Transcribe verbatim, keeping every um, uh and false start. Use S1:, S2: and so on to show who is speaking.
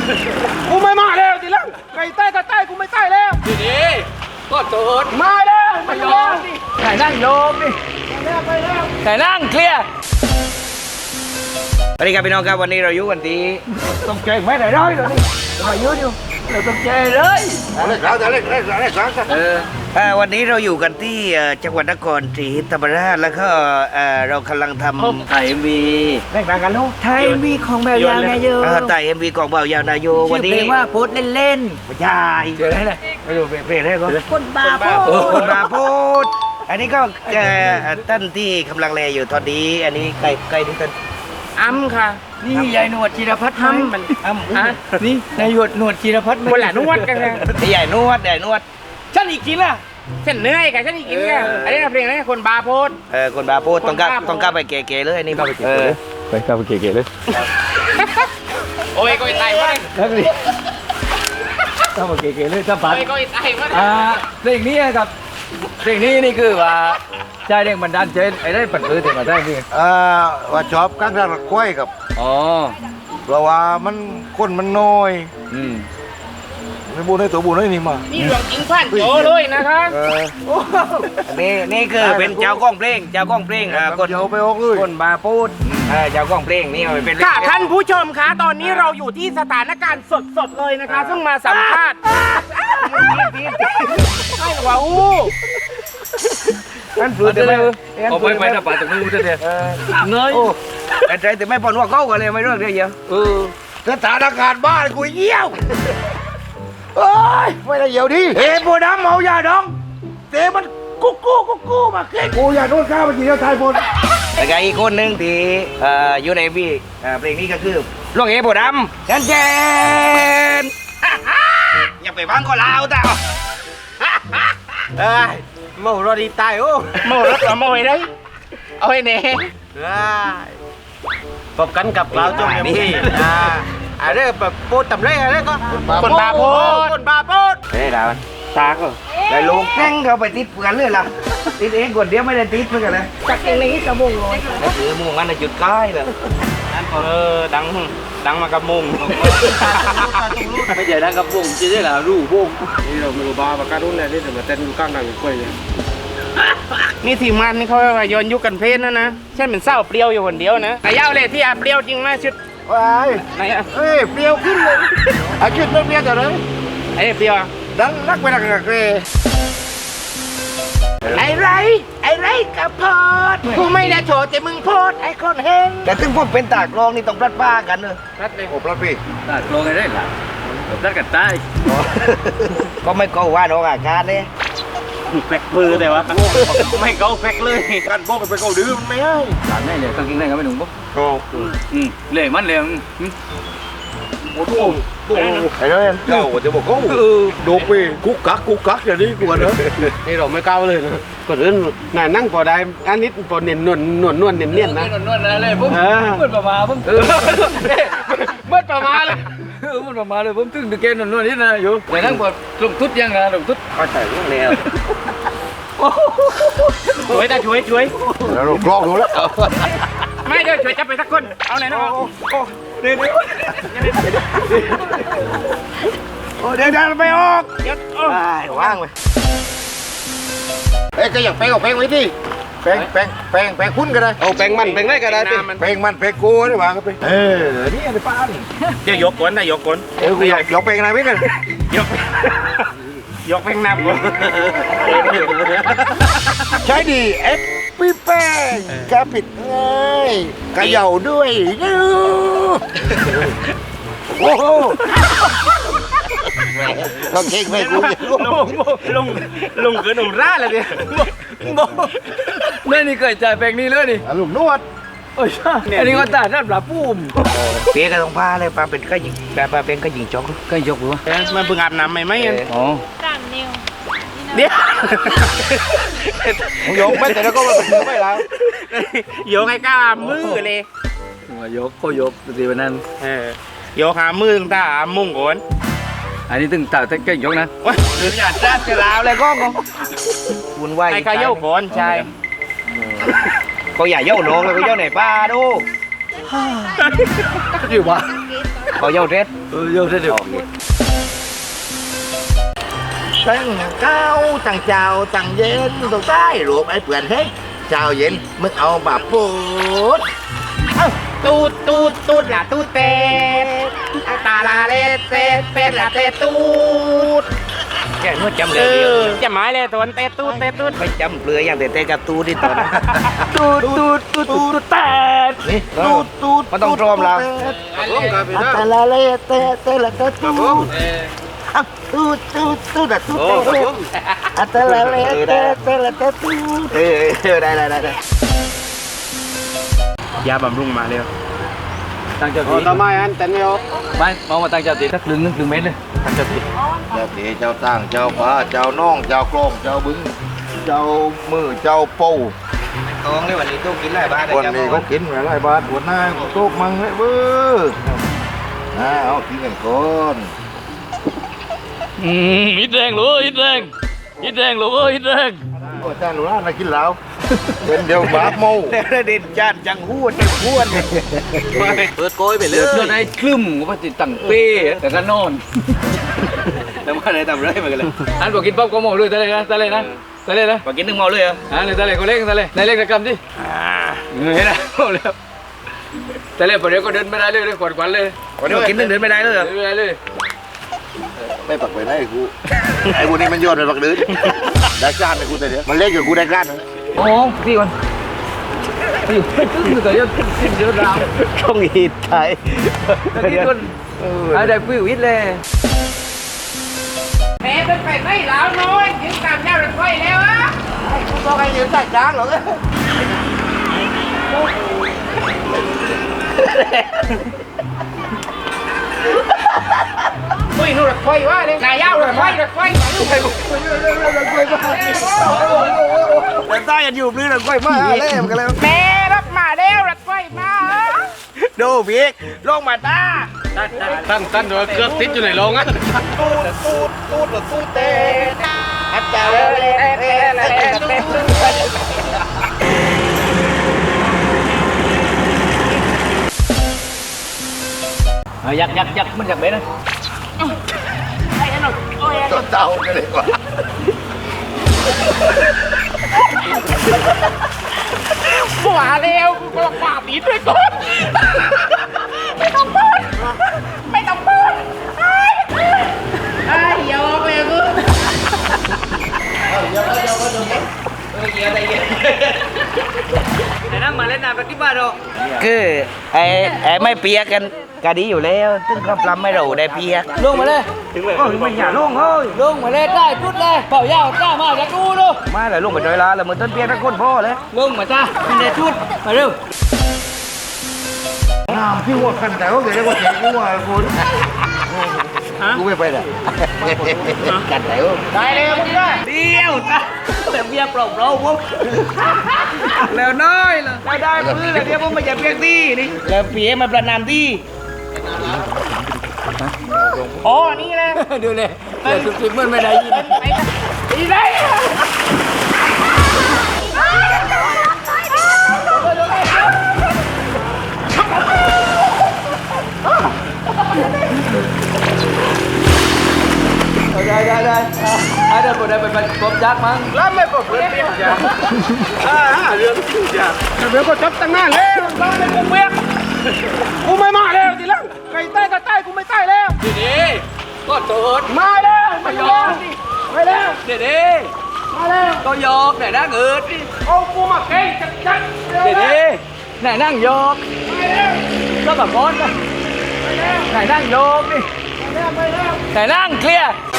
S1: กูไม่มาแล้วทีหลังไก่ใต้ก็ใต้กูไม่ใต้แล้วดีดีก็โจดมาแล้วไม่ยอมไก่นั่งโยมดิไปแล้วไก่นั่งเคลียร์สวัสดีครับพี่น้องครับวันนี้เราอยู่กันที่ต้องเก่งไม่ได้ร้อยเลยนี่มาอยู่อยู่เราต้องเก่งเลยเล่นแล้วเล่นเล่นเล่นสองเออวันนี้เราอยู่กันที่จังหวัดนครศรีธรรมราชแล้วก็เรากำลังทำถ่ายเอ็มวีแบ่งกันลูกถ่ายเอ็มวีของแมวยาวนายโยถ่ายเอ็มวีของแมวยาวนายโยวันนี้ชื่อเพลงว่าโพสเล่นๆไม่ใช่เจอได้เลยไม่รู้เพลงอะไรก็คนบาโพสคนบาโพสอันนี้ก็ท่านที่กำลังแลอยู่ตอนนี้อันนี้ใกล้ใกล้ที่ท่านอ้ำค่ะนี่ยายหนวดจิรพัฒน์อ้ำมันอ้ำอ่ะนี่นายหนวดหนวดจิรพัฒน์คนละนวดกันเลยใหญ่นวดใหญ่นวดฉันอีกกินล่ะฉันเหนื่อยกับฉันอีกกินเนี่ยอันนี้เพลงอะไรคนบาโพสเออคนบาโพสต้องกล้าต้องกล้าไปเก๋ๆเลยนี่ไปเก๋ๆเลยไปกล้าไปเก๋ๆเลยโอ้ยก็ไอ้ไตวะนั่นดิกล้าไปเก๋ๆเลยถ้าปัดโอ้ยก็ไอ้ไตวะอ่าเพลงนี้ครับเพลงนี้นี่คือว่าใจเด็กมันดันเจนไอ้ได้ปั่นมือถึงมาได้พี่
S2: เอ่อว่าชอบกั้งรักควายกับ
S1: อ๋อ
S2: เพราะว่ามันคนมันน้อย
S1: อืม
S2: ไม่บูนให้ตัวบูนให้นี่มา
S1: นี่เรื่องจริงพันโจเลยนะครับนี่นี่คือเป็นเจ้าก้องเพลงเจ้าก้องเพลงอ่าคน
S2: เจ้าไปออกเลย
S1: คนบาพูดเออเจ้าก้องเพลงนี่เป็นค่ะท่านผู้ชมคะตอนนี้เราอยู่ที่สถานการณ์สดๆเลยนะคะซึ่งมาสัมภาษณ์ไม่หรออู้นั่นฝืนเลยเอาไปไปถ้าป่าตรงนู้นจะเนี่ยเงยแต่ใจแต่ไม่พอว่าเขากันเลยไม่เรื่องเดียวเยอะ
S2: เออสถานการณ์บ้านกูเยี่ยวเอ้ยไม่ได้เยี่ยวดิเฮ้ยบัวดำเมายาดองเตะมันกุ๊กกุ๊กกุ๊กกุ๊กมาเก่งกูอยากโดนข้าวมากินแล้วทายบน
S1: แต่ก็อีกคนหนึ่งที่อยู่ในพี่เพลงนี้ก็คือลูกเอ๋บัวดำชันเจนอย่าไปบังก็ลาวแต่เอ้ยเมารถดีตายโอ้เมารถเมาไอ้ได้เอาไอ้เน่พบกันกับเราจงอย่างนี้อ่าอะไรแบบโปดต่ำไรอะไรก็คนบาโพดคนบาโพดเฮ้ยดาวตาก็ได้ลงแข้งเขาไปติดเพื่อนเลยล่ะติดเองคนเดียวไม่ได้ติดเพื่อนเลยจักเองนี้กระมุงเลยนั่นคือมุงอันนั้นจุดใกล้เลยนั่นเออดังดังมากระมุงไม่ใช่ดังกระมุงจะได้ล่ะรู้บุ้ง
S2: นี่เราไม่รู้บ้าปากกาดุนเลยนี่แต่มาเต้นกลางดังกล้วยเลย
S1: นี่ทีมงานนี่เขาย้อนยุคกันเพศนะนะใช่เป็นเศร้าเปรี้ยวอยู่คนเดียวนะแต่ยาวเลยที่อ่ะเปรี้ยวจริงนะชุด
S2: ว้าย
S1: ไหนอ่ะ
S2: เฮ้ยเปรี้ยวขึ้นเลยอาชุดไม่เปรี้ยวแต่เลย
S1: ไอ้เปรี้ยว
S2: ดังนักไปนักกระเกย
S1: ไอ้ไรไอ้ไรกับพอดกูไม่ได้โฉดแต่มึงโพดไอ้คนเฮงแต่ถึงพวกเป็นตากลองนี่ต้องรัดป้ากันเลย
S2: รัดเลยโอ้รัดพี่
S1: ตากลองได้หรอรัดกันใต้ก็ไม่ก็ว่าน้องอาการเลยแฟกมือแต่ว่าไม่เกาแฟกเลย
S2: การบอกไปเกาดื้อมันไม่ให้
S1: หลานแม่เลยต้องกินได้ก็ไม่หนุ่มปุ๊บ
S2: โอ้
S1: อืมเลยมันเลย
S2: โอ้โหไอ้เรื่องเก้าจะบอกเขาดูไปกุ๊กกักกุ๊กกักอย่างนี้กลัวเนอะ
S3: นี่เราไม่ก้าวเลยนะก่อนอื่นน่านั่งพอได้อันนี้พอเนียนนวลนวลนวลเนียนเนียนนะ
S1: นวลนวลอะไรปุ๊บเมื่อประมาณปุ๊บเมื่อประมาณเลยเมื่อประมาณเลยปุ๊บถึงตะเกียนนวลนวลนี่นะอยู่แต่นั่งพอลงทุดยังไงลงทุด
S2: เข้าใจเรื่องแนว
S1: ช่วยแต่ช่วยช่วย
S2: แล้วเรากรอกดูแล้ว
S1: ไม่เดี๋ยวช่วยจับไปสักคนเอาไหนนะเดี๋ยว
S2: โอ้เดี๋ยวเดี๋ยวไปออก
S1: เดี๋ยวว่างไป
S2: เอ้ยก็อยากแปลงออกแปลงไว้ที่แปลงแปลงแปลงแปลงคุ้นก็ได้
S3: เอาแปลงมันแปลงไรก็ได้
S2: แปลงมันแปลงกูนี่วางก็ไปเออนี่ไอ้ป้านี่
S1: เดี๋ยวยกก้นนะยกก้น
S2: เออกูอยากยกแปลงอะไรไม่กัน
S1: ยกยกแป้งนับกู
S2: ใช้ดีเอฟปี้แป้งกระปิดง่ายกระเหย่าด้วยดูโอ้โหเราเก่งไหมกู
S1: ลุงลุงลุงคือหนุ่มร่าเลยเนี่ยนี่นี่เกิดจากแปลงนี้เลยนี่
S2: ลุงนวด
S1: โอ้ยอันนี้ก็ตัดนั่นปลาปุ้มเปียกระทงผ้าเลยปลาเป็นก็ยิงปลาปลาเป็นก็ยิงจอกก็ยกหรือวะมันเพิ่งอาบน้ำใหม่ไหมอ๋อเดี๋ยว
S2: โยกไม่แต่แล้วก็มาเป็นไม่แล้ว
S1: โยกให้ก้ามือเลย
S3: โยกก็โยกดีวันนั้น
S1: โยกหามือตั้งแต่มุ่งก่อน
S3: อันนี้ตึงต่างแต่ก็ยกนะ
S1: ว้าหรืออยากจัดจะลาวเลยก็คุณไหวไอ้ข้าโยกก่อนใช่ก็อย่าโยกน้องเลยก็โยกไหนป้าดู
S3: อยู่วะ
S1: เอาเยาเร็ด
S3: เออเดี๋ยวเดี๋ยว
S2: ตั้งเก้าตั้งเจ้าตั้งเย็นตรงใต้รวมไอ้เปื่อนเฮ้ยเจ้าเย็นมึงเอาบาปูดเอ้าตูดตูดตูดละตูดเตะตาลาเลเตะเตะละเตะตูด
S1: แค่นวดจำเลยเดียว
S3: จะหมายเลยตัวเตะตูดเตะตูด
S1: ไม่จำเปลือยอย่างแต่แต่กับตูที่ตัวนะตูดตูดตูดตูดแตด
S2: นี่ตูดตูด
S1: มันต้องตรอมเรา
S2: ตาลาเลเตะเตะละเตะตูดเอ้าตูดตูดตูดละตูดเตะตาลาเลเตะเตะละเตะตูดเออได้ได้ได้
S3: ยาบำรุงมาเร็วตั้งเจ้าตีทำไมอันแต่ไม่เอาไม่มองมาตั้งเจ้าตีสักลึงนึงลึงเมตรเลยตั้งเจ้าตี
S2: เจ้าเตเจ้าตั้งเจ้าฟ้าเจ้าน้องเจ้ากล้องเจ้าบึ้งเจ้ามือเจ้าปู
S1: ตองเลยวันนี้ต้องกินหลายบาทเลย
S2: วัน
S1: ครับ
S2: นี้เขากินหลายบาทหัวหน้าโต๊ะมังเลยเบ้ออ่าเอากินกันก่อน
S4: อืมอิดแดงเลยอิดแดงอิดแดงเลยอิดแดง
S2: โอ้จ้าหนูร้านมากินแล้วเป็นเดียวบาปเมา
S1: แล้วเด่นจานจังหูดจังห้วนเปิดโกยไปเล
S4: เลือย ดเลือดไอ้คลึมก็มาติดตั้งเป้แต่ก็นอน
S1: แล้วมาอะไรทำไรมากันเลย
S4: อันบอกกินป๊อปก็มองด้วยตะเลยนะตะเลยนะตะเลยนะ
S1: มากินนึ่งเมาเลยเหรอ
S4: อ่าเลยตะเลยก็เล่นตะเลยในเล่นตะกำดิเห็นไหมเอาแล้วตะเลยพอเดี๋ยวก็เดินไม่ได้เลยเลยขวัญขวัญเลย
S1: วันนี้มากินนึ่งเดินไม่ได้เลยเหรอ
S4: ไม่ได้เลย
S2: ไม่ปักไปไหนไอ้กูไอ้กูนี่มันยอดไปปักเดินได้การไอ้กูแต่เดียวมันเล็กอยู่กูได้การนะ
S4: โอ้พี่ก่อนไปอยู่ตึ้งตึ้งเดี๋ยวเดี๋ยวดาว
S1: ช่องหิดไทย
S4: ตะกี้คนเอาได้ฟิวอิดเลย
S5: แม่เป็นไปไม่แล้วน้อยถึงตามเจ้ารถไฟแล้วอะ
S2: กูต้องให้ยืนจัดการหรอก
S5: อุ้ยนู่นรถไฟว่าเลยนายยาวรถไฟรถไฟมาดูไป
S1: แต่ใต้กันอยู่ปลื้มเลยค่อยมาเล่มกันแล้ว
S5: แม่รับมาแล้วรถไฟมา
S1: ดูพี่ลงมาตา
S4: ตั้งตั้งเดี๋ยวเกือบติดอยู่ในโรงอ่ะ
S2: ตูดตูดตูดหรือตูดเตะอาจารย์
S5: เอ๊ะเอ๊ะเอ๊ะเอ๊ะเอ๊ะ
S4: ยักยักยักมันยักเบ็ดนะ
S2: ตัวเต่ากันเลยกว่า
S5: หัวเร็วกูบอกว่าปีด้วยก่อนไม่ต้องพูดไม่ต้องพูดไอ้ไอ้ยกเลยกู
S4: แต่นั่งมาเล่นน้ำไปที่บ้านเรา
S1: คือไอ้ไอ้ไม่เปียกกันก็ดีอยู่แล้วตึ้งคำรำไม่เราได้เปียก
S4: ลงมาเลยถึงเลยไม่อย่าลงเฮ้ยลงมาเลยได้พุดเลยเป่ายาวกล้ามาจะกูดู
S1: มาเลยลงไปดอยลาแล้วมือต้นเปียกทั้งคนพ่อเลย
S4: ลงมาจ้าเป็นเดชุดมาเร็ว
S2: น้ำพี่หัวขันแต่เขาเดี๋ยวเรียกว่าเจ๋งหัวคุณกูไม่ไปเลยกันแต่ว่า
S5: ได้เร็วมึงด้วย
S1: เดียวตาแต่เบียร์เปล่าเปล่าผมแล้วน้อยเลยแล้วได้พื้นแล้วเดี๋ยวผมมาจับเปียกที่นี่แล้วเปียกมาประนามที่
S5: อ๋อนี่เลย
S4: ดูเลยเดี๋ยวสุดๆมันไม่ได้ยิน
S5: ดีเลย
S4: ได้ได้ได้อ่ะเดี๋ยวผมได้ไปพบยักษ์มั้ง
S3: แล้วไม่ปลดเปลี่ยนจ้ะอ่าเรื่องจริงจ้ะเดี๋ยวก็จบตั้งนานแล้วร้านในกูเปียกกูไม่มาแล้วทีหลังไก่ใต้ก็ใต้กูไม่ใต้แล้ว
S4: ดีดีก็โดด
S3: มาแล้วไม่ยอมไม่แล้ว
S4: ดีดี
S3: มาแล้ว
S4: ก็โยกไหนนั่งอืด
S3: เอากูมาเก่งจัดจัด
S4: ดีดีไหนนั่งโยกก็แบบโพสไหนนั่งโยกดิไหนนั่งเคลียร์